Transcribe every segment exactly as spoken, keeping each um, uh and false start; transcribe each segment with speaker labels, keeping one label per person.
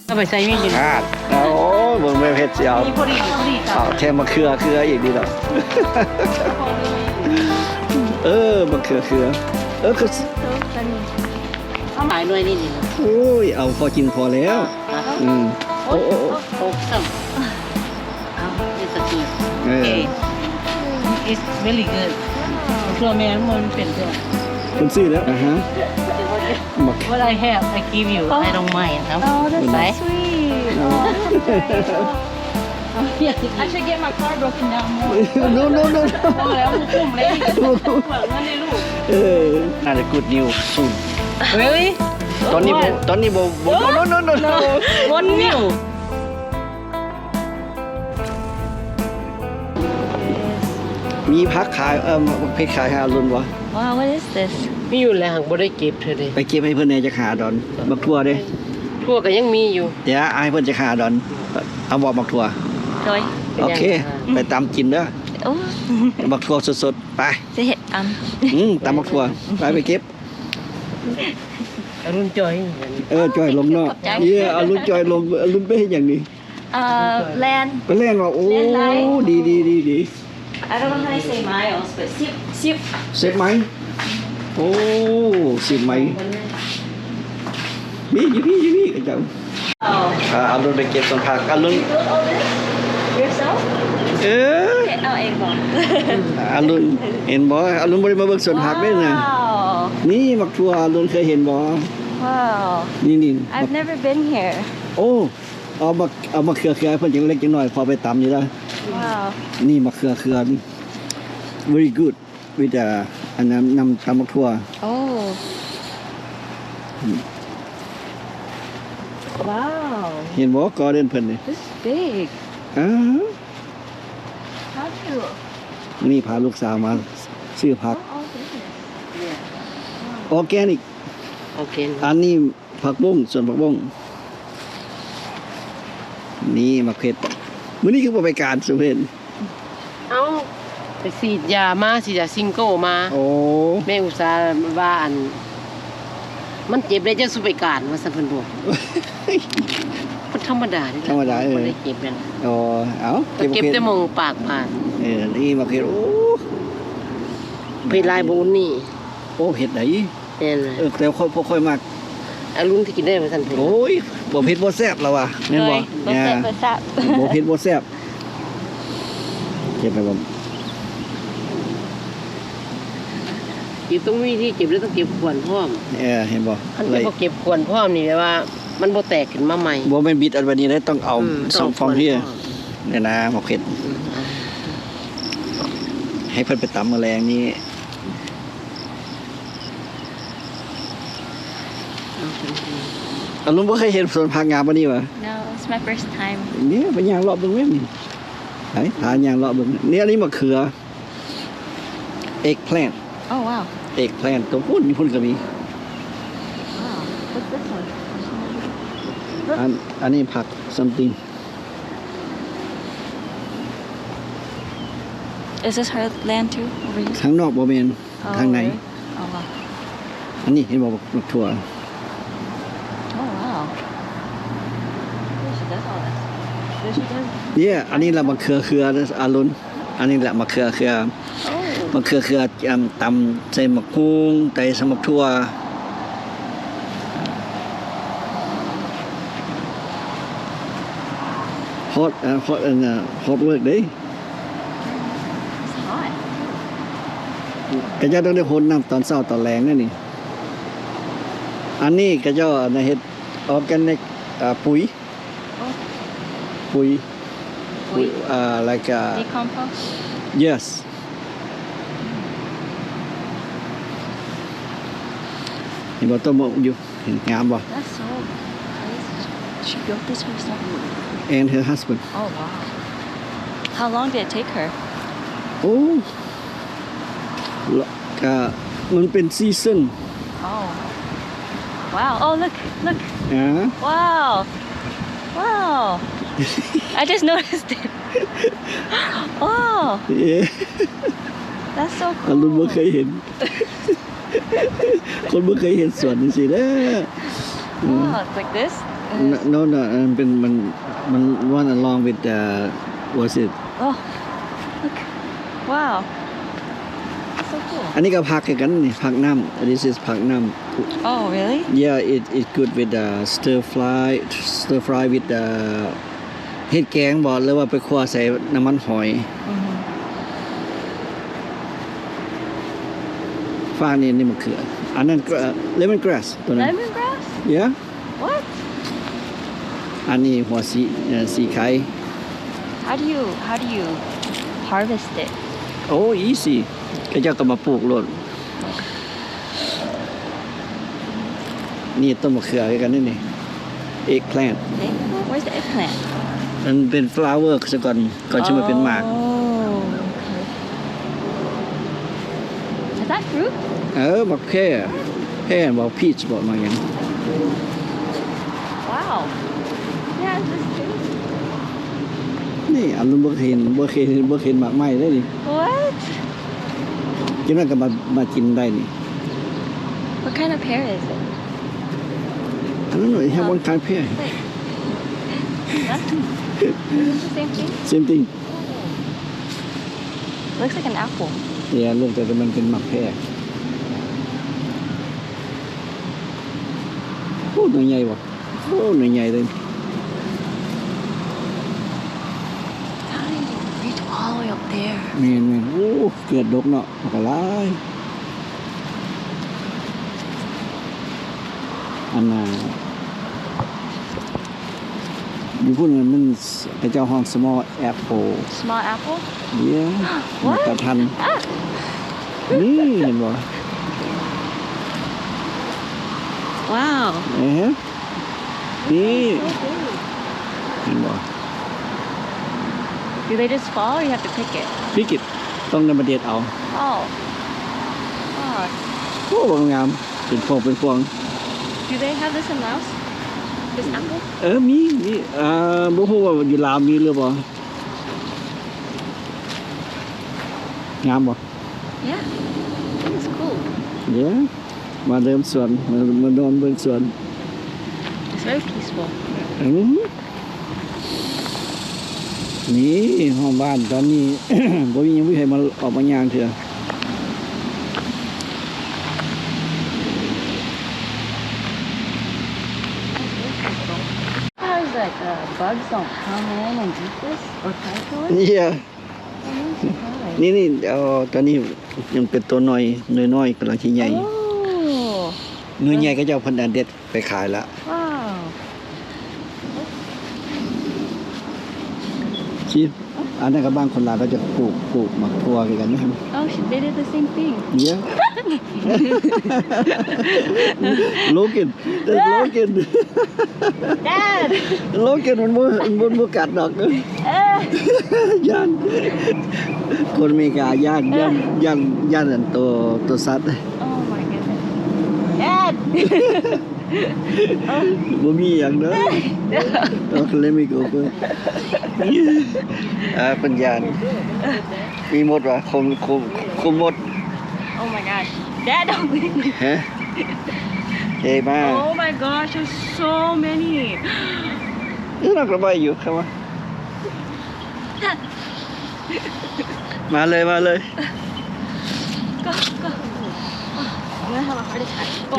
Speaker 1: ก็ไปใส่ไม่กิน
Speaker 2: ขาดโอ้ยบนเวเพชรเสียว
Speaker 1: มีพอดีพอดี
Speaker 2: เอาแทมมาเครือเครืออีกดีหรอเออมาเครือเครือเออคือ
Speaker 1: เขาหมายด้วยนี่นี่
Speaker 2: โอ้ยเอาพอกินพอแล้วอืมโอ้โอ้
Speaker 1: โอ้ซ้ำเอานี่สกี
Speaker 2: เออ
Speaker 1: it's very good เพื่อแม่มันเป็นตัว
Speaker 2: คุณซื้อแล้วอ่ะฮะมา
Speaker 1: What I have I give you I don't mind ครับ
Speaker 3: Oh, that's
Speaker 1: Bye.
Speaker 3: so sweet. Oh, I should get my car broken down more.
Speaker 2: โน้โน้โน้
Speaker 1: พอแล้วคุ้มเลยเปิดเงินในลูก
Speaker 2: เออน่าจะกูดนิว
Speaker 1: Really
Speaker 2: ตอนนี้โบตอนนี้โบโบโน้โน้โน้โน้
Speaker 1: One new
Speaker 2: มีพักขายเออเพชรขายหาลุนวะ
Speaker 3: Wow, what is this?
Speaker 1: มีอยู่แล้วหังบ่ได้เก็บเธอเลย
Speaker 2: ไปเก็บให้เพื่อนในจะขาดอนบักทั่วเด้
Speaker 1: ทั่วก็ยังมีอยู่
Speaker 2: เดี๋ยวให้เพื่อนจะขาดอนเอาบอกบักทั่ว
Speaker 3: Joy.
Speaker 2: โอเค ไปตามกินเด้อ
Speaker 3: Oh,
Speaker 2: บักทั่วสดๆไป
Speaker 3: say it. Um,
Speaker 2: อืมตามบักทั่วไปไปเก็บ
Speaker 1: อรุณจอย
Speaker 2: เออจอยลงนอกเย่เอารุ่นจอยลงเอารุ่นไปให้อย่างนี้
Speaker 3: uh, land.
Speaker 2: ไปเล่นว่าโอ้ดีดีดีดี
Speaker 3: I don't know how to say miles, but sip, sip.
Speaker 2: เสร็จไหมโอ้สิบไหมนี่ยี่พี่ยี่พี่กันจัง
Speaker 3: Oh,
Speaker 2: อ่าเอารุ่นไปเก็บส่วนผักเอารุ่น
Speaker 3: yourself?
Speaker 2: เออ
Speaker 3: Okay, oh, egg ball.
Speaker 2: อารุณเห็นบ่อารุณบ่ได้มาเบิ่งสวนผักด้วยนะ
Speaker 3: Wow.
Speaker 2: นี่มักทั่วอารุณเคยเห็นบ่
Speaker 3: Wow.
Speaker 2: นี่นี่
Speaker 3: I've never been here.
Speaker 2: โอ้เอามาเอามาเครือเครือเพิ่นจังเล็กจังน้อยพอไปตำอยู่แล้ว
Speaker 3: Wow.
Speaker 2: นี่มาเครือเครือนี่ very good with the อันนั้นนำตำมักทั่ว
Speaker 3: Oh. Wow.
Speaker 2: เห็นบ่กอเด่นเพิ่นนี่
Speaker 3: This is big.
Speaker 2: อ้า
Speaker 3: How cute.
Speaker 2: นี่พาลูกสาวมาซื้อผัก
Speaker 3: Oh, goodness.
Speaker 2: ออร์แกนิก
Speaker 1: โอเค
Speaker 2: อันนี้ผักบุ้งส่วนผักบุ้งนี่มะเขือมื้อนี้คือบ่ไปการสุเพิ่น
Speaker 1: เอ้าไปฉีดยามาฉีดยาซิงโก้มา
Speaker 2: โอ้
Speaker 1: แม่อุตส่าห์ว่าอัน มันเจ็บได้จะสุไปการว่าสันเพิ่นบอกมันธรรมดานี่แหละ
Speaker 2: ธรรมดาเออ
Speaker 1: บ่ได้เจ็บนั่น
Speaker 2: อ๋อเอ้า
Speaker 1: เก็บแต่มองปากผ่าน
Speaker 2: เออนี่มะเขือโอ้
Speaker 1: เพลายบุญนี่
Speaker 2: โอ้เห็ดไหน
Speaker 1: แน่นเลย
Speaker 2: เออแต่ค่อยค่อยมาก
Speaker 1: อารุณที่กินได้ว่าสันเพิ่น
Speaker 2: โอ้ยบ่เผ็ดบ่แซ่บแล้วว่ะแม่นบ่
Speaker 3: Joy,
Speaker 2: เนี่ย
Speaker 3: what's that? What's that?
Speaker 2: บ่เผ็ดบ่แซ่บเก็บไปบ่
Speaker 1: เก็บต้องมีที่เก็บแล้วต้องเก็บขวนพร้อม
Speaker 2: เออเห็นบ่
Speaker 1: คัน
Speaker 2: เล
Speaker 1: จะ
Speaker 2: ย
Speaker 1: บ่เก็บขวนพร้อมนี่แปลว่า มันบ่แตกขึ้นมาใหม่
Speaker 2: บ่แม่นบิดอันวันนี้ได้ต้องเอา
Speaker 1: อืม
Speaker 2: สองฟองที่เนี่ยนะบ่เผ็ด
Speaker 1: อืม
Speaker 2: ให้เพิ่นไปตำแมลงนี่ อารมณ์บ่เคยเห็นสวนผักงามปานนี้วะ
Speaker 3: No, it's my first time.
Speaker 2: เนี่ยไปย่างเลาะเบิ่งแม่นนี่ไผหาย่างเลาะเบิ่งเนี่ยอันนี้มะเขือ eggplant
Speaker 3: Oh, wow.
Speaker 2: eggplant ตัวพุ่นมีพุ่นก็มี
Speaker 3: Wow. What's this one?
Speaker 2: อันอันนี้ผัก something
Speaker 3: Is this her land too? Over here?
Speaker 2: ข้างนอกบ่แม่น
Speaker 3: Oh,
Speaker 2: ทางใน
Speaker 3: really? Oh, wow.
Speaker 2: อันนี้เห็นบ่บักถั่ว
Speaker 3: Oh, wow. Yeah, she does all this. Yeah, she does.
Speaker 2: เนี่ยอันนี้ละมะเขือเขืออารุณอันนี้แหละมะเขือเขือ
Speaker 3: Oh.
Speaker 2: มะเขือเขืออ่ำตำใส่มะกุ้งใส่สมักถั่วฮอตอ่าฮอตอันน่ะฮอตเวิร์กเด้
Speaker 3: It's hot.
Speaker 2: ก็จะต้องได้พ้นน้ำตอนเช้าตอนแรงนั่นนี่อันนี้ก็จะอันน่ะเฮ็ดออร์แกนิกอ่าปุ๋ย
Speaker 3: Oh.
Speaker 2: ปุ๋ย
Speaker 3: Wait.
Speaker 2: อ่า like uh,
Speaker 3: Decompost?
Speaker 2: yes เห็นบ่ต้นมะอยู่เห็นงามบ่
Speaker 3: That's so crazy. She built this herself.
Speaker 2: and her husband
Speaker 3: Oh, wow. How long did it take her?
Speaker 2: โอ้ละก็มันเป็นซีซั่น
Speaker 3: Oh. Wow. Oh, look. Look.
Speaker 2: อ่า
Speaker 3: Wow. Wow. I just noticed it. Oh,
Speaker 2: เอ๊ะ
Speaker 3: that's so
Speaker 2: อรุณบ่
Speaker 3: cool.
Speaker 2: เคยเห็น คนบ่เคยเห็นสวนจังซี่เด้อ
Speaker 3: Oh, it's like this?
Speaker 2: no no มันเป็นมันมัน run along with the was it
Speaker 3: Oh, look. Wow. So cool.
Speaker 2: อันนี้ก็ผักคือกันนี่ผักน้ำ this is ผักน้ำ
Speaker 3: Oh, really?
Speaker 2: yeah it it good with the stir fry stir fry with the เฮ็ดแกงบ่หรือว่าไปคั่วใส่น้ำมันหอย
Speaker 3: Mm-hmm.
Speaker 2: ฟ้านี่นี่มะเขืออันนั้นก็ lemon grass ตัวนั้น
Speaker 3: Lemongrass?
Speaker 2: yeah
Speaker 3: What?
Speaker 2: อันนี้หัวสีเอ่อสีไข่
Speaker 3: How do you how do you harvest it?
Speaker 2: โอ้ easy ก็เจ้าก็มาปลูกโลดนี่ต้นมะเขือคือกันนี่นี่ eggplant
Speaker 3: Eggplant? Where's the eggplant?
Speaker 2: มันเป็น flower ซะก่อนก่อนจะมาเป็นหมาก
Speaker 3: Oh, okay. Is that fruit?
Speaker 2: เออบักแพร่แพร่บอกพีชบอกมาอย่าง
Speaker 3: Wow. Yeah, this tree.
Speaker 2: นี่อันนู้นบ่เคยเห็นบ่เคยเห็นบ่เคยเห็นหมากไม้ได้นี่
Speaker 3: What?
Speaker 2: กินแล้วก็มามากินได้นี่
Speaker 3: What kind of pear is it?
Speaker 2: อันนั้นหน่อยแค่วันคายแพร่
Speaker 3: Wait. Huh? Is this the same thing?
Speaker 2: same thing
Speaker 3: Looks like an apple.
Speaker 2: เนี่ยลูกแต่มันเป็นหมากแพร่โอ้หน่วยใหญ่ว่ะโอ้หน่วยใหญ่เลย
Speaker 3: How did you reach all the way up there?
Speaker 2: แม่นแม่นโอ้เกิดดกเนาะบักหลายอันน่ะอยู่พุ่นน่ะมันพระเจ้าห้อง small apple
Speaker 3: Small apple?
Speaker 2: เดี๋ยวมัน
Speaker 3: What?
Speaker 2: กระทัน
Speaker 3: Ah!
Speaker 2: นี่เห็นบ่
Speaker 3: Wow.
Speaker 2: เอ๊ะนี่
Speaker 3: So big.
Speaker 2: เห็นบ่
Speaker 3: Do they just fall or you have to pick it?
Speaker 2: พิกิตต้องนำมาเด็ดเอา
Speaker 3: Oh. Oh.
Speaker 2: โอ้งามเป็นพวงเป็นพวง
Speaker 3: Do they have this in Laos? This apple?
Speaker 2: เออมีมีอ่าบ่ฮู้ว่าอยู่ลาวมีหรือบ่งามบ่
Speaker 3: Yeah. It's cool.
Speaker 2: เดี๋ยวมาเริ่มสวนมามานอนเบิ่งสวน
Speaker 3: It's very peaceful.
Speaker 2: อืมนี่ห้องบ้านตอนนี้ บ่มีหยังมีใครมาออกมาย่างเถื่อ
Speaker 3: How is like uh, bugs don't come in and eat this or try to it?
Speaker 2: เนี่ย
Speaker 3: I'm really surprised.
Speaker 2: นี่นี่เอ่อตอนนี้ยังเป็นตัวน้อยน้อยๆกำลังสิใหญ่
Speaker 3: Oh.
Speaker 2: หน่วยใหญ่ก็จะเอาเพิ่นอันเด็ดไปขายละ
Speaker 3: Wow.
Speaker 2: ชีอันนั้นก็บ้านคนลาวก็จะปลูกปลูกหมักทั่วกันนะครับ
Speaker 3: Oh, she, they did the same thing.
Speaker 2: Yeah. Logan. There's Logan.
Speaker 3: Dad!
Speaker 2: Logan มันบ่มันบ่กัดดอกเด้อ
Speaker 3: Eh.
Speaker 2: ย่านคนอเมริกาย่านย่านย่านย่านอันตัวตัวสัตว์
Speaker 3: Oh my goodness. Dad!
Speaker 2: บ่มีหยังเด้อต้องเลยไม่go เพิ่นอ่าเพิ่นย่านมีหมดว่ะคมคมคมหมด
Speaker 3: Oh my gosh. Dad, don't leave me.
Speaker 2: ฮะเฮ้ยมา
Speaker 3: Oh my gosh, there's so many.
Speaker 2: เอ้ยนักระบายอยู่ครับว่ามาเลยมาเลย
Speaker 3: Go, go. Oh, I'm gonna have a heart attack. Go.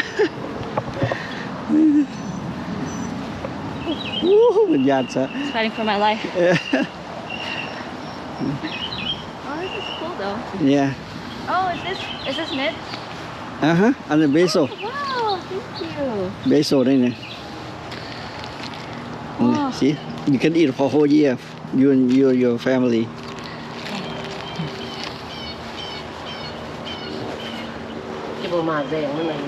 Speaker 2: โอ้โหมันยานซะ
Speaker 3: It's fighting for my life.
Speaker 2: เออ
Speaker 3: Oh, this is cool though.
Speaker 2: เนี่ย
Speaker 3: Oh, is this is this mid?
Speaker 2: อ่าฮะอันนี้เบโซ
Speaker 3: Wow, thank you.
Speaker 2: เบโซได้เนี่ย
Speaker 3: Oh.
Speaker 2: see you can eat for whole year you and your your family
Speaker 1: จะบ่มาแดงนั่นน่ะ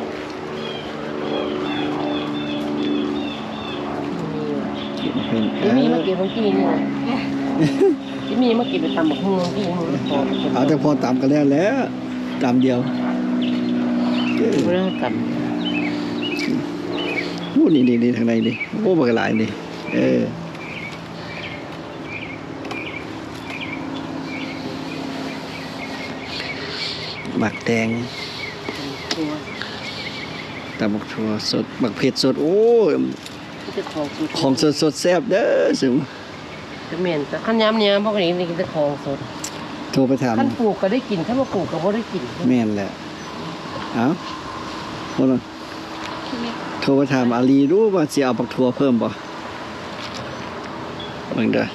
Speaker 2: เป็น
Speaker 1: ที่มีมากินเมื่อกี้นี่ที่มีมากินไปตำบักหุ่งเมื่อกี้นี่พอ
Speaker 2: เอาแต่พอตามกันแล้วแหล้วตามเดียว
Speaker 1: เรื่องกัน
Speaker 2: โอ้นี่นี่นี่ทางในนี่โอ้บักหลายนี่เออหมักแตง
Speaker 1: ตัว
Speaker 2: ตำบักถั่วสดหมักเผ็ดสดโอ้ย
Speaker 1: มีแต่ของสด
Speaker 2: ของสดๆแซ่บเด้อสิ
Speaker 1: จะเหม็นแต่ขั้นยำเนี่ยพวกนี้นี่กินแต่ของสด
Speaker 2: โทรไปถาม
Speaker 1: ขั้นปลูกก็ได้กินขั้นว่าปลูกก็บ่ได้กิน
Speaker 2: แม่นแหละเอ้าคนละโทรไปถามอาลีรู้ว่าสิเอาปักถั่วเพิ่มบ่เบิ่งเด้อ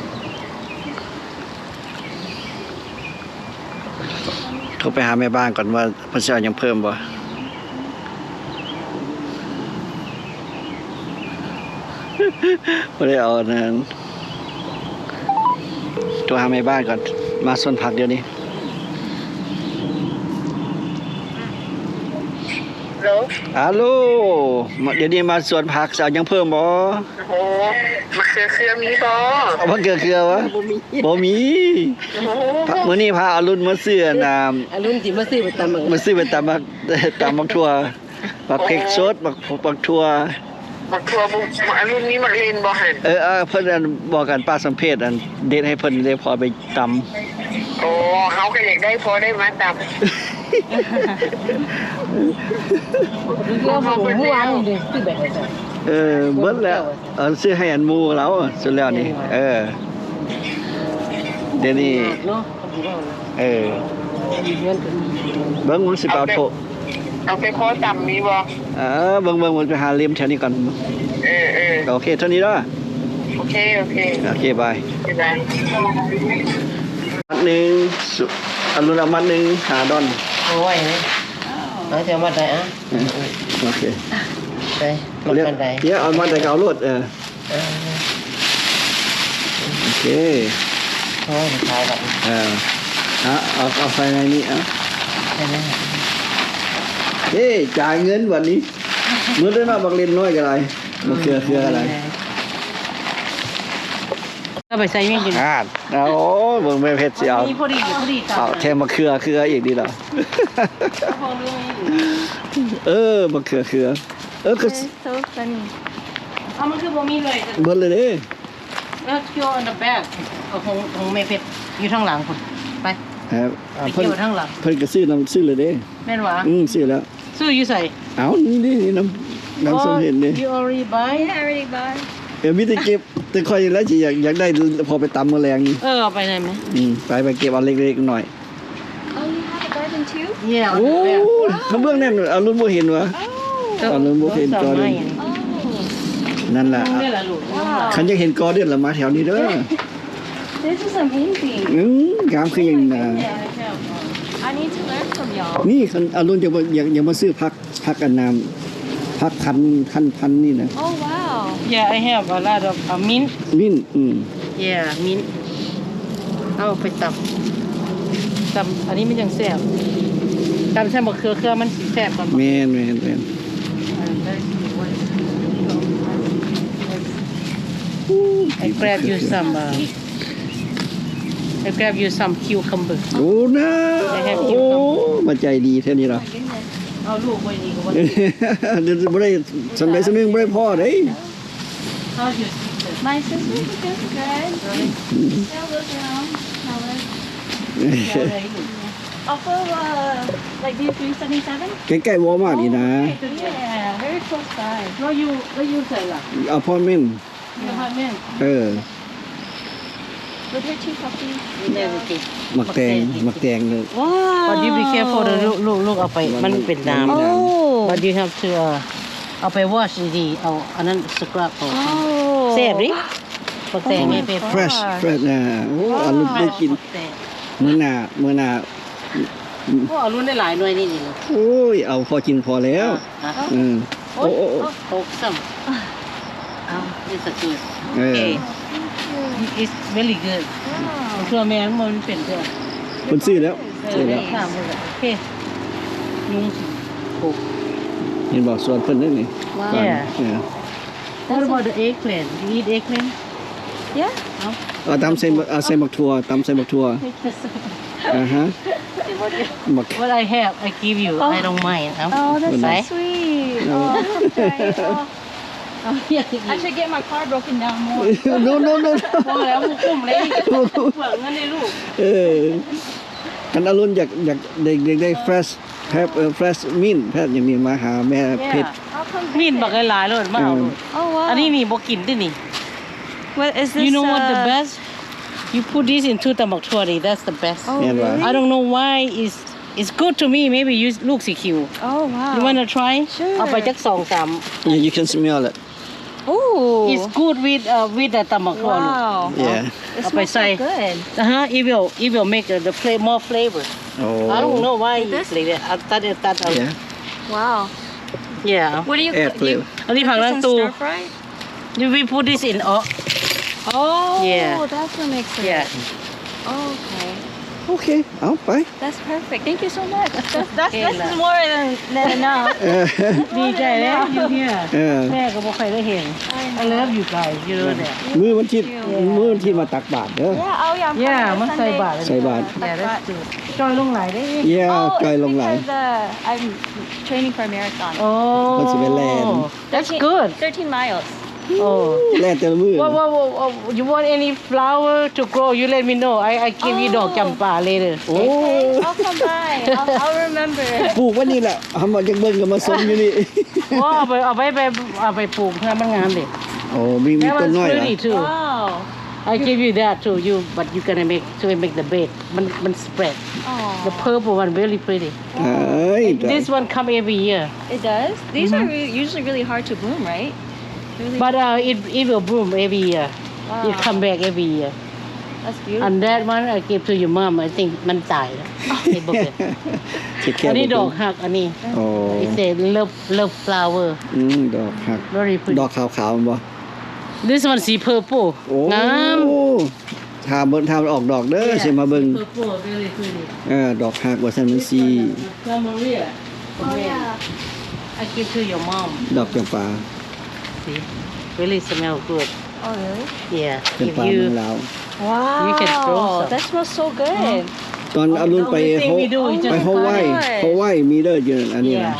Speaker 2: โทรไปหาแม่บ้านก่อนว่าเพิ่นสิเอาหยังเพิ่มบ่บ่ได้เอาอันนั้นโทรหาแม่บ้านก่อนมาสวนผักเดี๋ยวนี้
Speaker 4: แล้ว
Speaker 2: ฮัลโหลมาเดี๋ยวนี้มาสวนผักจะเอาหยังเพิ่มบ่
Speaker 4: โอ้โหมะเขือเขือมีบ่
Speaker 2: เอามะเขือเขือวะ
Speaker 1: บ่มี
Speaker 2: บ่มี
Speaker 4: โอ้โห
Speaker 2: มื้อนี้พาอารุณมาซื้อน้ำ
Speaker 1: อรุ่นสิมาซื้อไปตำบัก
Speaker 2: มาซื้อไปตำบักตำบักทั่วบักเผ็กสดบักบักทั่ว
Speaker 4: บักทัวบุกอันรุ่นนี้มักเล่นบ่หัน
Speaker 2: เออเออเพิ่นอันบอกกันป้าสัมเพชอันเด็ดให้เพิ่นเลยพอไปตำ
Speaker 4: โอ้เขาก็อยากได้พอได้มาตำ
Speaker 1: เรื่องของเมื่อวานนี่เด้ซื้อแบบนี้
Speaker 2: เออเบิดแล้วเออซื้อให้อันหมู่เราสุดแล้วนี่เออเดี๋ยวนี้
Speaker 1: เนาะเขาบอกว่า
Speaker 2: เออ
Speaker 1: มีเงินก็มี
Speaker 2: เบิ่งมันสิไปเอาโท
Speaker 4: เอาไปพอตำมีบ่
Speaker 2: เออเบิ่งเบิ่งมันไปหาเลียมแถวนี้ก่อน
Speaker 4: เออเออ
Speaker 2: โอเคเท่านี้เด้อ
Speaker 4: โอเคโอเค
Speaker 2: โอเคบาย
Speaker 4: บ๊ายบาย
Speaker 2: มัดหนึ่งสุอรุณเอามัดหนึ่งหาดอน
Speaker 1: เอาไว้นะเอาจะมาได้อ่ะ
Speaker 2: เออโอเค
Speaker 1: ได้มา
Speaker 2: เรียก
Speaker 1: กันได้
Speaker 2: เดี๋ยวเอามาแต่เกาลวดเออ
Speaker 1: เออ
Speaker 2: โอเค
Speaker 1: โอ้ยขายแบบ
Speaker 2: เออเอาเอาเอาไฟในนี้เอ่ะ
Speaker 1: ได้ไหม
Speaker 2: เอ้จ่ายเงินวันนี้มื้อได้มาบักเล่นน้อยกันอะไรมาเครือเครืออะไร
Speaker 1: ก็ไปใส่ยังกิน
Speaker 2: อ่าเอาโอ้ยเบิ่งไม่เผ็ดสิเอา
Speaker 1: พอดีพอดี
Speaker 2: เอาแทนมาเครือเครืออีกดีเหรอ
Speaker 1: พอรู้ไหม
Speaker 2: เออมาเครือเครือเออคือ
Speaker 3: so funny
Speaker 1: เอามันคือบ่มีเลย
Speaker 2: เบิดเลยเด้
Speaker 1: แล้วเกี่ยว on the back เอาของของเมเพชรอยู่ข้างหลังคุณไป
Speaker 2: ครับ
Speaker 1: ไป
Speaker 2: เพิ่น
Speaker 1: เกี่ยวข้างหลัง
Speaker 2: เพิ่นก็ซื้อน้ำซื้อเลยเด้
Speaker 1: แม่นหวะ
Speaker 2: อืมซื้อแล้ว
Speaker 1: ซื้ออยู่ใส่
Speaker 2: เอานี่นี่นี่น้ำน้ำส้มเห็ดนี่
Speaker 1: you already buy
Speaker 3: yeah I already buy
Speaker 2: เออมีแต่เก็บแต่คอยแล้วสิอยากอยากได้พอไปตำมื้อแรงนี่
Speaker 1: เออเอาไปไหนไหม
Speaker 2: อืมไปไปเก็บเอาเล็กๆหน่อย
Speaker 3: oh you have a garden too
Speaker 1: เยี่ย
Speaker 2: โอ้ข้างเบื้องนั่นเอารุ่นบ่เห็นวะ
Speaker 3: oh
Speaker 2: เอารุ่นบ่เห็นกอเดือน
Speaker 3: oh
Speaker 2: นั่นล่ะ
Speaker 1: นี่แหละลูก
Speaker 2: คันอยากเห็นกอเดือนละมาแถวนี้เด้อ
Speaker 3: this is amazing
Speaker 2: อืมงามคือหยังน่ะ
Speaker 3: I need to learn from y'all
Speaker 2: นี่คันเอารุ่นจะบ่อยากอยากมาซื้อผักผักอันน้ำผักพันธุ์พันธุ์พันธุ์นี่นะ
Speaker 3: oh wow
Speaker 1: yeah I have a lot of uh, mint
Speaker 2: มิ้นอืม
Speaker 1: yeah mint เอาไปตำตำอันนี้มันยังแซ่บตำใส่มะเขือเครือมันสิแซ่บกว่า
Speaker 2: แม่นแม่นแม่น
Speaker 1: I grab you some uh, I grab you some cucumber
Speaker 2: โอ้นะ
Speaker 1: I have
Speaker 2: โอ้
Speaker 1: cucumber
Speaker 2: มาใจดีแท้นี้ล่ะ
Speaker 1: เอาลูกไว้นี่ก็ว่า
Speaker 2: เดี๋ยวบ่ได้สำใดสำนึงบ่ได้พอเด้
Speaker 1: How's your sister
Speaker 3: my sister is good good they'll look around how it
Speaker 1: อะไรลูก
Speaker 3: off of uh like D three seventy-seven
Speaker 2: ใกล้ๆวอลมาร์ทนี่นะ
Speaker 3: yeah very close by
Speaker 1: แล้วอยู่แล้วอยู่ใส่ล่ะ
Speaker 2: อพาร์ตเมนต์
Speaker 1: อยู่พาร์ทเมนต์
Speaker 2: เออ
Speaker 3: with her two puppies
Speaker 1: นี่โอเค
Speaker 2: หมักแตงหมักแตงเลย
Speaker 3: wow
Speaker 1: But you be careful เด้อลูกลูกลูกเอาไปมันเป็นน้ำ
Speaker 3: oh
Speaker 1: But you have to uh, เอาไป wash ดีๆเอาอันนั้นสครับออก
Speaker 3: oh
Speaker 1: แซ่บดิปักแตงไม่เป็น
Speaker 2: fresh fresh นะโอ้อรุณได้กินมื้อหน้ามื้อหน้า
Speaker 1: โอ้เอารุ่นได้หลายหน่วยนี่นี่
Speaker 2: โอ้ยเอาพอกินพอแล้ว
Speaker 1: อ่ะ
Speaker 2: อืมโอ้โอ้โอ้
Speaker 1: หกซ้ำเอา this is good
Speaker 2: เออ
Speaker 1: okay it's very good เพื่อแม่มันเป็นเพื่อ
Speaker 2: เพิ่นซื้อแล้ว
Speaker 1: เอ
Speaker 2: ซื้
Speaker 1: อ
Speaker 2: อ
Speaker 1: ได้
Speaker 2: แล้ว
Speaker 1: สามหมดแล้วโอเคยุงหก
Speaker 2: เห็นบอกส่วนเพิ่นนั่นนี่
Speaker 3: Wow.
Speaker 2: ก่อน
Speaker 1: Yeah.
Speaker 2: เออ
Speaker 1: What about the eggplant you eat eggplant
Speaker 3: yeah
Speaker 2: เอาตำใส่เอาใส่หมักถั่วตำใส่หมักถั่วอ่าฮะหมัก
Speaker 1: What I have I give you I don't mind เอา
Speaker 3: oh that's
Speaker 1: ไป
Speaker 3: so sweet
Speaker 2: No.
Speaker 3: oh okay. oh.
Speaker 1: เอาอยากกิน
Speaker 3: I should get my car broken down more
Speaker 2: no no no
Speaker 1: พอแล้วมึงคุ้มเลยเปลือกเงินในลูก
Speaker 2: เออกันอรุณอยากอยากเด็กเด็กได้ fresh แพบเออ fresh mint แพทย์อย่างนี้มาหาแม่เพชร
Speaker 3: I'll come
Speaker 1: มีน
Speaker 3: visit.
Speaker 1: บักหลายๆเลยมาเอาเลย
Speaker 3: Oh wow.
Speaker 1: อันนี้นี่บ่กินตินี่
Speaker 3: What is this?
Speaker 1: You know what the
Speaker 3: uh,
Speaker 1: best? You put this into ตำบักถั่วนี่ that's the best.
Speaker 3: Oh,
Speaker 2: Yeah, right.
Speaker 3: really?
Speaker 1: I don't know why it's it's good to me. Maybe you ลูกสีคิว
Speaker 3: Oh wow.
Speaker 1: You wanna try?
Speaker 3: Sure.
Speaker 1: เอาไปจักสองสาม
Speaker 2: Yeah, you can smell it.
Speaker 3: Ooh.
Speaker 1: It's good with uh, with the ตำบักถั่วลูก
Speaker 3: Wow.
Speaker 2: Yeah.
Speaker 3: It
Speaker 1: Up by
Speaker 3: smells so
Speaker 1: side.
Speaker 3: good.
Speaker 1: Uh-huh. It will it will make the, the flavor more flavor.
Speaker 2: Oh.
Speaker 1: I don't know why
Speaker 3: Like
Speaker 1: it's
Speaker 3: this?
Speaker 1: like that. I thought it that out.
Speaker 2: Yeah.
Speaker 3: Wow.
Speaker 1: Yeah.
Speaker 3: What do you
Speaker 2: Air
Speaker 3: do you,
Speaker 2: flavor.
Speaker 1: อันนี้ผัก
Speaker 3: put
Speaker 1: ล้า
Speaker 3: this
Speaker 1: ง
Speaker 3: in
Speaker 1: ตู้
Speaker 3: stir fry?
Speaker 1: We put this in oh
Speaker 3: Oh,
Speaker 1: Yeah.
Speaker 3: that's what makes it.
Speaker 1: yeah.
Speaker 3: Okay.
Speaker 2: Okay. เอาไป
Speaker 3: That's perfect. Thank you so much. That's, that's,
Speaker 1: Okay,
Speaker 3: this
Speaker 1: lah.
Speaker 3: is more than, than enough.
Speaker 2: เออ
Speaker 1: ดีใจแล้วอยู่เนี่ย
Speaker 2: เออ
Speaker 1: แม่ก็บ่เคยได้เห็น I love you guys you know that
Speaker 2: มือวันที่มือวันที่มาตักบาตรเด้อ
Speaker 3: Yeah, oh yeah. I'm
Speaker 1: Yeah,
Speaker 3: coming
Speaker 1: must
Speaker 3: Sunday.
Speaker 1: say bad.
Speaker 2: Say bad.
Speaker 1: Yeah that's true จอยลงไหลได้
Speaker 2: Yeah
Speaker 3: Oh,
Speaker 2: จอย
Speaker 3: it's
Speaker 2: ลงไหล
Speaker 3: because uh, I'm training for a marathon.
Speaker 1: โอ้
Speaker 2: มันสิไปแล่น
Speaker 1: That's good
Speaker 3: thirteen miles.
Speaker 1: โอ้
Speaker 2: แล่แต่ละมือ
Speaker 1: What, what, what, what, you want any flower to grow? You let me know. I, I give you ดอกจำปา later.
Speaker 2: โอ้
Speaker 3: Okay, I'll come by. I'll, I'll remember.
Speaker 2: ปลูกไว้นี่แหละทำมาจากเบิ้งก็มาส่งอยู่นี่
Speaker 1: ว่าเอาไปเอาไปไปเอาไปปลูกให้มันงามดิ
Speaker 2: โอ้มีมี
Speaker 1: That
Speaker 2: ต้น
Speaker 1: one's
Speaker 2: น้อยเหรอ
Speaker 1: pretty too.
Speaker 3: Wow.
Speaker 1: I give you that too. You but you gonna make to make the bed. มันมัน spread. The
Speaker 3: Aww.
Speaker 1: purple one very pretty.
Speaker 2: เอ้ย
Speaker 1: This one come every year.
Speaker 3: It does? These are re- usually really hard to bloom, right? Really?
Speaker 1: But uh, it it will bloom every year.
Speaker 3: Wow.
Speaker 1: It come back every year.
Speaker 3: That's beautiful.
Speaker 1: And that one I give to your mom. I think มันตายแล้วเห็นบ่เกิด
Speaker 2: สิแค่
Speaker 1: อันนี้
Speaker 2: บ่
Speaker 1: ด
Speaker 2: เป็
Speaker 1: อกหักอันนี้
Speaker 2: โอ้
Speaker 1: It's a love love flower.
Speaker 2: อืมดอกหัก
Speaker 1: Very
Speaker 2: ด
Speaker 1: pretty.
Speaker 2: อกขาวๆมันบ่
Speaker 1: This one สี purple
Speaker 2: โอ้
Speaker 1: งาม
Speaker 2: ถ้าเบิ่งถ้ามันออกดอกเด้อสิมาเบิ่ง
Speaker 1: purple very pretty
Speaker 2: เออดอกหักว่าซั่นมันสิ
Speaker 1: Maria
Speaker 3: Oh yeah.
Speaker 1: I give to your mom
Speaker 2: ดอกจำปา
Speaker 1: see really smell good
Speaker 3: Oh really?
Speaker 1: yeah
Speaker 2: จำ
Speaker 1: if
Speaker 2: ปา
Speaker 1: you
Speaker 2: เมืองลาว
Speaker 3: Wow.
Speaker 1: You can throw some.
Speaker 3: That smells so good.
Speaker 2: ตอนเอารุ่นไป
Speaker 1: The only thing
Speaker 2: เขา
Speaker 1: we do is just
Speaker 2: ไปเขาไหว้
Speaker 3: Oh my God.
Speaker 2: เขาไหว้มีเด้ออยู่อันนี้นะ
Speaker 1: yeah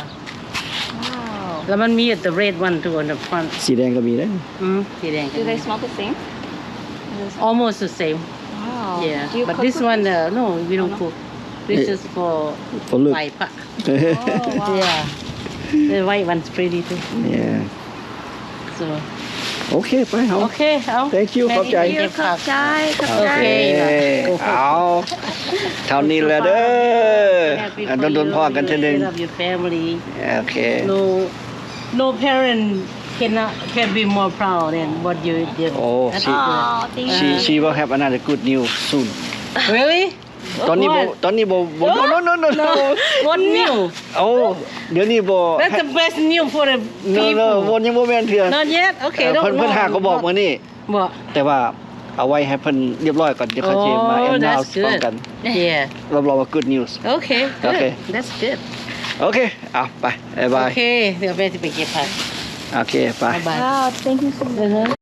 Speaker 3: Wow.
Speaker 1: แล้วมันมี the red one too on the front
Speaker 2: สีแดงก็มีเด้อ
Speaker 1: อืมสีแดง
Speaker 3: Do they smell the same? Is this-
Speaker 1: almost the same
Speaker 3: Wow.
Speaker 1: yeah
Speaker 3: Do you
Speaker 1: but
Speaker 3: cook
Speaker 1: this
Speaker 3: with
Speaker 1: one
Speaker 3: this?
Speaker 1: uh, no we don't cook this
Speaker 2: Eh.
Speaker 1: is for
Speaker 2: ฝนลึก
Speaker 1: ไหว้พระ
Speaker 3: Oh wow.
Speaker 1: yeah the white one's pretty too
Speaker 2: yeah
Speaker 1: so
Speaker 2: โอเคไปเฮา
Speaker 1: โอเคเอา
Speaker 2: Thank you ขอบใจ
Speaker 1: แม่เก็บผัก
Speaker 3: Chai,
Speaker 2: โอเค เอาเท่านี้แหละเด้อ
Speaker 1: Happy
Speaker 2: อัน
Speaker 1: for
Speaker 2: โดนๆพ่อกันเทื่อนึง
Speaker 1: you. Love your family
Speaker 2: โอเค
Speaker 1: no no parent cannot can be more proud than what you did.
Speaker 2: Oh,
Speaker 1: That's
Speaker 2: she-
Speaker 1: good.
Speaker 3: Oh, thank
Speaker 2: she
Speaker 3: you.
Speaker 2: she will have another good news soon
Speaker 1: Really?
Speaker 2: ตอนนี้บ่
Speaker 1: What?
Speaker 2: ตอนนี้บ่บ่ no no no no no
Speaker 1: What new?
Speaker 2: โอ้เดี๋ยวนี้บ่
Speaker 1: That's the best news for the
Speaker 2: no no บ่
Speaker 1: people.
Speaker 2: ยังบ่แม่นเถื่อ
Speaker 1: Not yet.
Speaker 2: เอ่
Speaker 1: Okay.
Speaker 2: อ
Speaker 1: Don't
Speaker 2: เพิ่นเพิ่นหาก็บอกมื้อนี้
Speaker 1: What?
Speaker 2: แต่ว่าเอาไว้ให้เพิ่นเรียบร้อยก่อนเดี๋ยวเขาสิมา
Speaker 1: Oh,
Speaker 2: announce
Speaker 1: that's
Speaker 2: พร้อม
Speaker 1: good.
Speaker 2: กัน
Speaker 1: Yeah.
Speaker 2: รับรองว่า good news
Speaker 1: Okay. Good.
Speaker 2: Okay.
Speaker 1: That's good.
Speaker 2: โอเคเอาไปบ๊ายบาย
Speaker 1: Okay. เดี๋ยวแม่จะไปเก็บผัก
Speaker 2: โอเคไป
Speaker 1: Bye.
Speaker 3: Wow, thank you so much.
Speaker 1: Uh-huh.